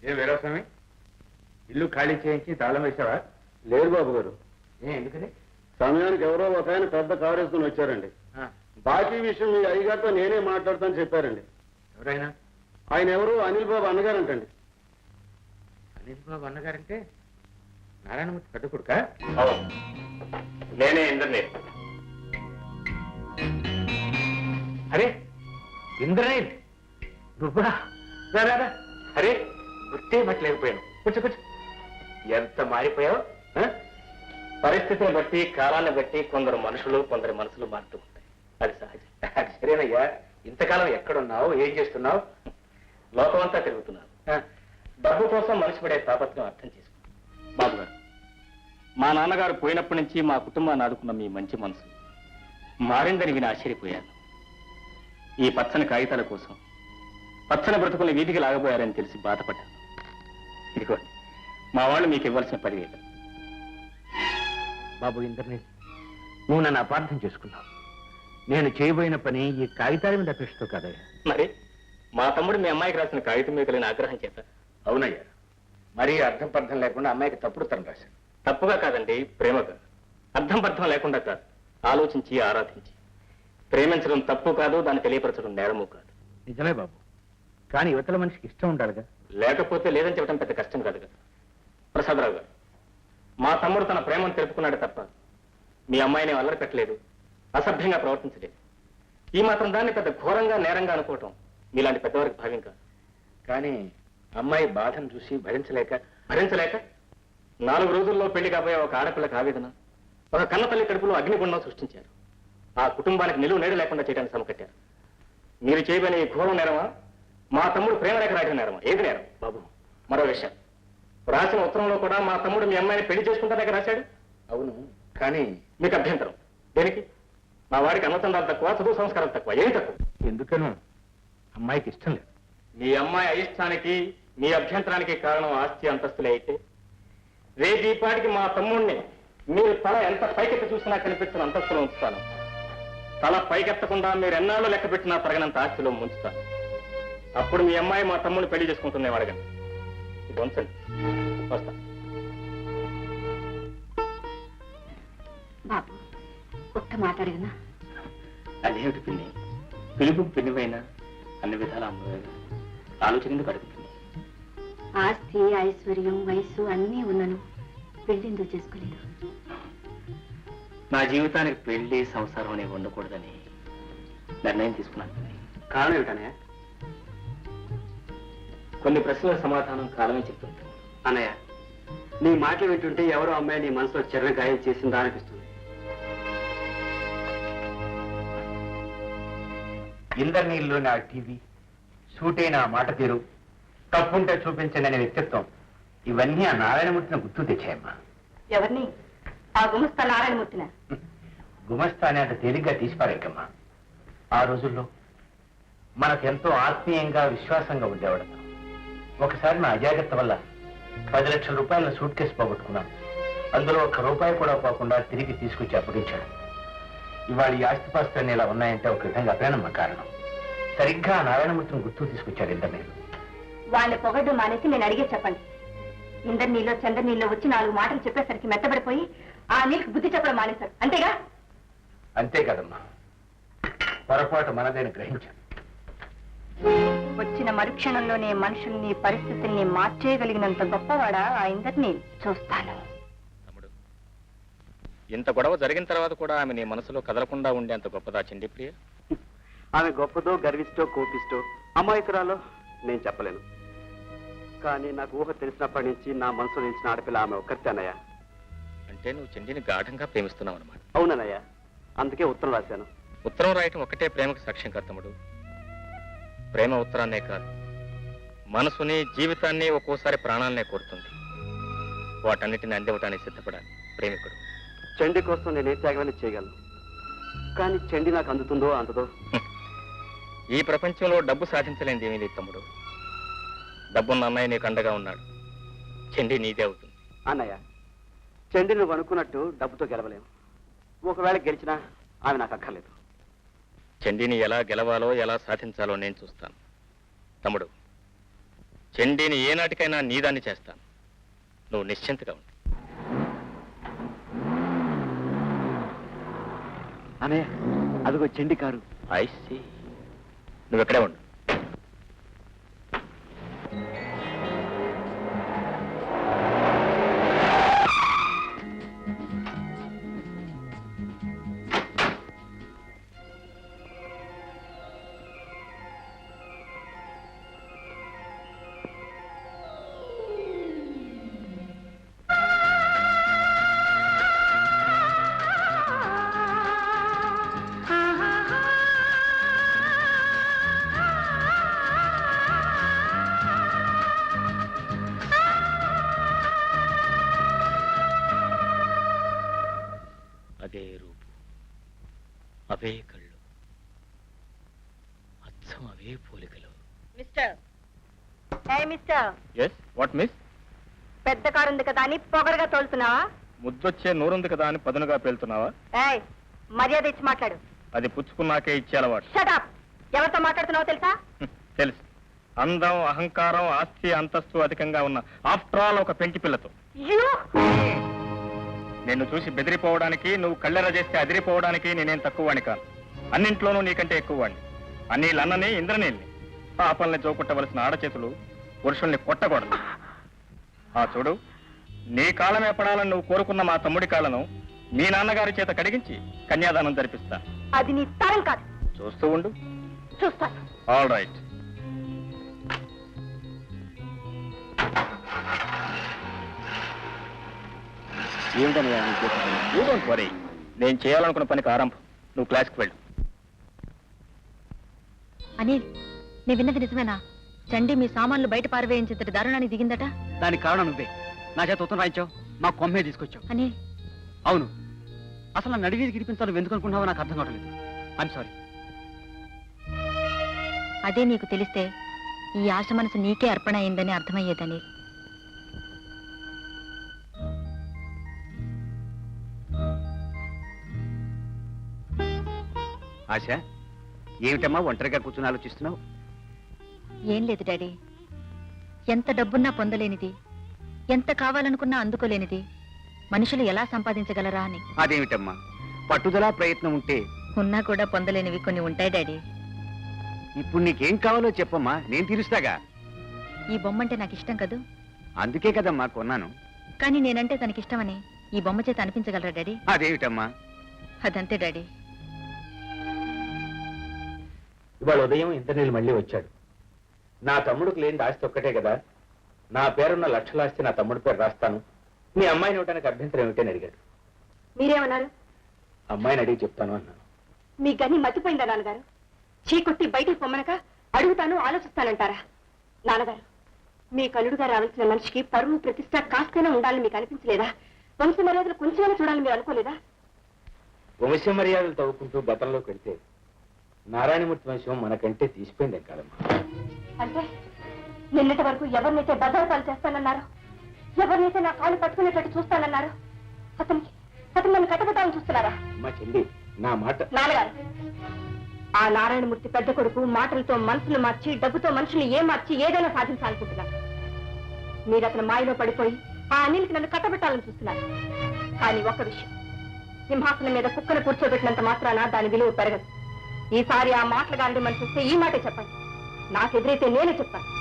ఏ వీరాస్వామి, ఇల్లు ఖాళీ చేయించి తాళం వేసావా? లేదు బాబు గారు. ఎందుకని? సమయానికి ఎవరో ఒక ఆయన పెద్ద కారు వేసుకుని వచ్చారండి. బాకీ విషయం మీ అయ్యగారితో నేనే మాట్లాడతానని చెప్పారండి. ఎవరైనా? ఆయన ఎవరు? అనిల్ బాబు అన్నగారంటండి. అనిల్ బాబు అన్నగారంటే నారాయణమూర్తి పెద్ద కొడుక? నేనే ఇంద్రనీల్. అరే ఇంద్రనీల్, నువ్వా? రారా. అరే గుర్తే మట్లేకపోయాను. కూర్చో కూర్చో. ఎంత మారిపోయావు. పరిస్థితిని బట్టి, కాలాన్ని బట్టి కొందరు మనుషులు, కొందరి మనసులు మారుతూ ఉంటాయి. అది సహజం. అది సరేనయ్యా. ఇంతకాలం ఎక్కడున్నావు, ఏం చేస్తున్నావు? లోకమంతా తిరుగుతున్నాను. డబ్బు కోసం మనిషి పడే తాపత్రం అర్థం చేసుకో. బాబు గారు, మా నాన్నగారు పోయినప్పటి నుంచి మా కుటుంబాన్ని ఆదుకున్న మీ మంచి మనసు మారిందని విని ఆశ్చర్యపోయాను. ఈ పచ్చని కాగితాల కోసం పచ్చని బ్రతుకుని వీధికి లాగబోయారని తెలిసి బాధపడ్డాను. ఇదిగోండి మా వాళ్ళు మీకు ఇవ్వాల్సిన 10,000. బాబు ఇంద్రనీల్, నువ్వు నన్ను అపార్థం చేసుకున్నావు. నేను చేయబోయిన పని ఈ కాగితాల మీద అపేక్షతో కాదయ్యా. మరి మా తమ్ముడు మీ అమ్మాయికి రాసిన కాగితం మీద కలిగిన ఆగ్రహం చేత. అవునయ్యా, మరీ అర్థం పర్థం లేకుండా అమ్మాయికి తప్పుడు తరం రాశాను. తప్పుగా కాదండి, ప్రేమగా. అర్థం పర్థం లేకుండా కాదు, ఆలోచించి ఆరాధించి. ప్రేమించడం తప్పు కాదు, దాన్ని తెలియపరచడం నేరము కాదు. నిజమే బాబు, కానీ యువతల మనిషికి ఇష్టం ఉండాలిగా. లేకపోతే లేదని చెప్పడం పెద్ద కష్టం కాదు కదా. ప్రసాదరావు గారు, మా తమ్ముడు తన ప్రేమను తెలుపుకున్నాడు తప్ప మీ అమ్మాయిని అల్లరి పెట్టలేదు, అసభ్యంగా ప్రవర్తించలేదు. ఈ మాత్రం దాన్ని పెద్ద ఘోరంగా నేరంగా అనుకోవటం మీలాంటి పెద్దవారికి భావ్యం కాదు. కానీ అమ్మాయి బాధను చూసి భరించలేక 4 రోజుల్లో పెళ్లి కాబోయే ఒక ఆడపిల్లకి ఆవేదన, ఒక కన్నతల్లి కడుపులో అగ్నిగుండం సృష్టించారు. ఆ కుటుంబానికి నిలువు నేడు లేకుండా చేయడానికి సమకట్టారు. మీరు చేయబోయే ఈ ఘోరం నేరమా, మా తమ్ముడు ప్రేమ రేఖ రాయడం నేరమా? ఏది నేరం? బాబు, మరో విషయం, రాసిన ఉత్తరంలో కూడా మా తమ్ముడు మీ అమ్మాయిని పెళ్లి చేసుకుంటానే రాశాడు. అవును, కానీ మీకు అభ్యంతరం దేనికి? మా వాడికి అన్నతండాలు తక్కువ, చదువు సంస్కారం తక్కువ, ఏమి తక్కువ? ఎందుకనో అమ్మాయికి ఇష్టం లేదు. మీ అమ్మాయి అయిష్టానికి, మీ అభ్యంతరానికి కారణం ఆస్తి అంతస్తులే అయితే, రేపు ఈ పాటికి మా తమ్ముడిని మీరు తల ఎంత పైకెత్తి చూసినా కనిపించిన అంతస్తులో ఉంచుతాను. తల పైకెత్తకుండా మీరు ఎన్నాళ్ళు లెక్క పెట్టినా తరగనంత ఆస్తిలో ముంచుతాను. అప్పుడు మీ అమ్మాయి మా తమ్ముడిని పెళ్లి చేసుకుంటున్నాం అడగండి. ఇది ఉంచండి, వస్తా. బాబు, ఒక్క మాట అడిగినా? అదేమిటి పిన్ని, పిలుపు పిన్నివైనా అన్ని విధాల అమ్మవేగా, ఆలోచన ఎందుకు అడుగుతుంది? ఆస్తి, ఐశ్వర్యం, వయస్సు అన్నీ ఉన్నను పెళ్లిందుకు చేసుకోలేదు. నా జీవితానికి పెళ్లి, సంసారం అనేవి ఉండకూడదని నిర్ణయం తీసుకున్నాను. కారణం ఏమిటనే? కొన్ని ప్రశ్నల సమాధానం కాలమే చెప్తుంది. అన్నయ్య, నీ మాటలు వింటుంటే ఎవరో అమ్మాయి నీ మనసులో చిన్న గాయం చేసిందా అనిపిస్తుంది. ఇంద్రనీళ్ళు నా టీవీ, సూటైన మాట తీరు, తప్పుంటే చూపించండి అనే వ్యక్తిత్వం, ఇవన్నీ ఆ నారాయణమూర్తిని గుర్తు తెచ్చాయమ్మా. ఎవరిని? ఆ గుమస్తా నారాయణమూర్తిన? గుమస్తా అని అంత తేలిగ్గా తీసిపారేకమ్మా. ఆ రోజుల్లో మనకెంతో ఆత్మీయంగా, విశ్వాసంగా ఉండేవాడు. ఒకసారి నా అజాగ్రత్త వల్ల 10 లక్షల రూపాయల సూట్ కేసు పోగొట్టుకున్నాను. అందులో 1 రూపాయి కూడా పోకుండా తిరిగి తీసుకొచ్చి అప్పగించాడు. ఇవాళ ఈ ఆస్తిపాస్తులన్నీ ఇలా ఉన్నాయంటే ఒక విధంగా అపేనమ్మ కారణం. సరిగ్గా నారాయణమూర్తిని గుర్తు తీసుకొచ్చాడు ఇంద్రనీళ్ళు. వాళ్ళని పొగడ్డు మానేసి నేను అడిగే చెప్పండి. ఇంద్రనీళ్ళు, చంద్రనీళ్ళు వచ్చి 4 మాటలు చెప్పేసరికి మెత్తబడిపోయి ఆ నీళ్ళకి బుద్ధి చెప్పడం మానేశారు, అంతేగా? అంతే కదమ్మా, పొరపాటు మనదేని గ్రహించాను. వచ్చిన మరుక్షణంలోనే మనుషుల్ని, పరిస్థితుల్ని మార్చేయగలిగినంత గొప్పవాడా ఆ ఇంద్రనీళ్ళు? చూస్తాను. తమ్ముడు, ఇంత గొడవ జరిగిన తర్వాత కూడా ఆమె నీ మనసులో కదలకుండా ఉండేంత గొప్పదా చండీ ప్రియ? ఆమె గొప్పదో, గర్విష్టో, కోపిష్టో, అమాయకురాలో నేను చెప్పలేను. కానీ నాకు ఊహ తెలిసినప్పటి నుంచి నా మనసులో నిలిచిన ఆడపిల్ల ఆమె ఒక్కరితే అన్నయ్య. అంటే నువ్వు చండీని గాఢంగా ప్రేమిస్తున్నావు అన్నమాట. అవునన్నయ్య, అందుకే ఉత్తరం రాశాను. ఉత్తరం రాయటం ఒక్కటే ప్రేమకు సాక్ష్యం కాదు తమ్ముడు. ప్రేమ ఉత్తరాన్నే కాదు, మనసుని, జీవితాన్ని, ఒక్కోసారి ప్రాణాలనే కోరుతుంది. వాటన్నిటిని అందివ్వటానికి సిద్ధపడాలి ప్రేమికుడు. చండి కోసం నేనే త్యాగమని చేయగలను, కానీ చండి నాకు అందుతుందో అందదో. ఈ ప్రపంచంలో డబ్బు సాధించలేనిది ఏమీ లేదు తమ్ముడు. డబ్బున్న అన్నయ్య నీకు అండగా ఉన్నాడు, చండి నీదే అవుతుంది. అన్నయ్య, చండి నువ్వు అనుకున్నట్టు డబ్బుతో గెలవలేము. ఒకవేళ గెలిచినా ఆమె నాకు అక్కర్లేదు. చండీని ఎలా గెలవాలో, ఎలా సాధించాలో నేను చూస్తాను. తమ్ముడు, చండీని ఏనాటికైనా నీదాన్ని చేస్తాను. నువ్వు నిశ్చింతగా ఉండు. అనయ్య, అదిగో చెండి కారు. I see. నువ్వు ఎక్కడే ఉండు. అదే రూపు, అవే కళ్ళు, అచ్చం అవే పోలికలు. Mister, mister, yes, what miss? పెద్ద కారు ఉంది కదా అని పొగరుగా తోలుతున్నావా? ముద్దొచ్చే నూరుంది కదా అని పదునుగా పేలుతున్నావా? ఏయ్, మర్యాద ఇచ్చి మాట్లాడు. అది పుచ్చుకున్నాకే ఇచ్చే అలవాటు. Shut up. ఎవరితో మాట్లాడుతున్నావో తెలుసా? తెలుసు. అందం, అహంకారం, ఆస్తి, అంతస్తు అధికంగా ఉన్న ఆఫ్టర్ ఆల్ ఒక పెంకి పిల్లతో. నిన్ను చూసి బెదిరిపోవడానికి, నువ్వు కళ్ళెర చేస్తే అదిరిపోవడానికి నేనేం తక్కువవాణ్ణి కాను. అన్నింట్లోనూ నీకంటే ఎక్కువవాణ్ణి. అన్నీళ్ళన్నని, ఇంద్రనీళ్ళని. పాపల్ని జోకుట్టవలసిన ఆడచేతులు పురుషుల్ని కొట్టకూడదు. ఆ చూడు, నీ కాలమే పడాలని నువ్వు కోరుకున్న మా తమ్ముడి కాళ్ళను మీ నాన్నగారి చేత కడిగించి కన్యాదానం జరిపిస్తా. అది నీ తరం కాదు. చూస్తూ ఉండు. చూస్తాను. All right. ఏమిటనయ్యా యూ డోంట్ వరీ. నేను చేయాలనుకున్న పనికి ఆరంభం. నువ్వు క్లాస్కి వెళ్ళు. అనిల్, నీ విన్నది నిజమేనా? చండి మీ సామాన్లు బయట పారవేయించేంతటి దారుణానికి దిగిందట. దానికి కారణం నువ్వే. నా చేత ఉత్తరం రాయించావు, మా కొమ్మే తీసుకొచ్చావు. అనిల్, అవును. అసలు నన్ను అడిగేది గిరిపించాలి ఎందుకు అనుకున్నావో నాకు అర్థం కావట్లేదు. I'm sorry. అదే నీకు తెలిస్తే ఈ ఆశ మనసు నీకే అర్పణ అయిందని అర్థమయ్యేదని. ఆశ, ఏమిటమ్మా ఒంటరిగా కూర్చుని ఆలోచిస్తున్నావు? ఏం లేదు డాడీ. ఎంత డబ్బున్నా పొందలేనిది, ఎంత కావాలనుకున్నా అందుకోలేనిది మనుషులు ఎలా సంపాదించగలరా అని. అదేమిటమ్మా, పట్టుదల ప్రయత్నం ఉంటే ఉన్నా కూడా పొందలేనివి కొన్ని ఉంటాయి డాడీ. ఇప్పుడు నీకేం కావాలో చెప్పమ్మా, నేను తీరుస్తాగా. ఈ బొమ్మంటే నాకు ఇష్టం కదూ. అందుకే కదమ్మా కొన్నాను. కానీ నేనంటే తనకిష్టమని ఈ బొమ్మ చేత అనిపించగలరా డాడీ? అదేమిటమ్మా? అదంతే డాడీ. ఇవాళ ఉదయం ఇంద్రనీళ్ళు మళ్ళీ వచ్చాడు. నా తమ్ముడికి లేని ఆస్తి ఒక్కటే కదా, నా పేరున్న లక్షల ఆస్తి నా తమ్ముడి పేరు రాస్తాను, మీ అమ్మాయిని ఇవ్వడానికి అభ్యంతరం ఏమిటని అడిగాడు. మీరేమన్నారు? అమ్మాయిని అడిగి చెప్తాను అన్నాను. మీ గని మర్చిపోయిందా నాన్నగారు? చీకొట్టి బయటికి పొమ్మనక అడుగుతాను, ఆలోచిస్తానంటారా? నాన్నగారు, మీ కలుడుగా రావాల్సిన మనిషికి పరువు ప్రతిష్ట కాస్తైనా ఉండాలని మీకు అనిపించలేదా? వంశ మర్యాదలు కొంచెమైనా చూడాలని మీరు అనుకోలేదా? వంశ మర్యాదలు తవ్వుకుంటూ గతంలోకి వెళ్తే నారాయణమూర్తి వంశం మనకంటే తీసిపోయింది కాదమ్మా. అంటే నిన్నటి వరకు ఎవరినైతే బదార్థాలు చేస్తానన్నారో, ఎవరినైతే నా కాళ్ళు పట్టుకునేటట్టు చూస్తానన్నారో, అతను నన్ను కట్టబెట్టాలని చూస్తున్నారా? అమ్మా చెల్లి, నా మాట. నాన్నగారు, ఆ నారాయణమూర్తి పెద్ద కొడుకు మాటలతో మనసులు మార్చి, డబ్బుతో మనుషులు మార్చి ఏదైనా సాధించాలనుకుంటున్నారు. మీరు అతను మాయలో పడిపోయి ఆ అనిల్కి నన్ను కట్టబెట్టాలని చూస్తున్నారు. కానీ ఒక్క విషయం, సింహాసనం మీద కుక్కను కూర్చోబెట్టినంత మాత్రాన దాని విలువ పెరగదు. ఈసారి ఆ మాటలు గాంధీ మనిషి వస్తే ఈ మాటే చెప్పండి. నాకెదురైతే నేనే చెప్తాను.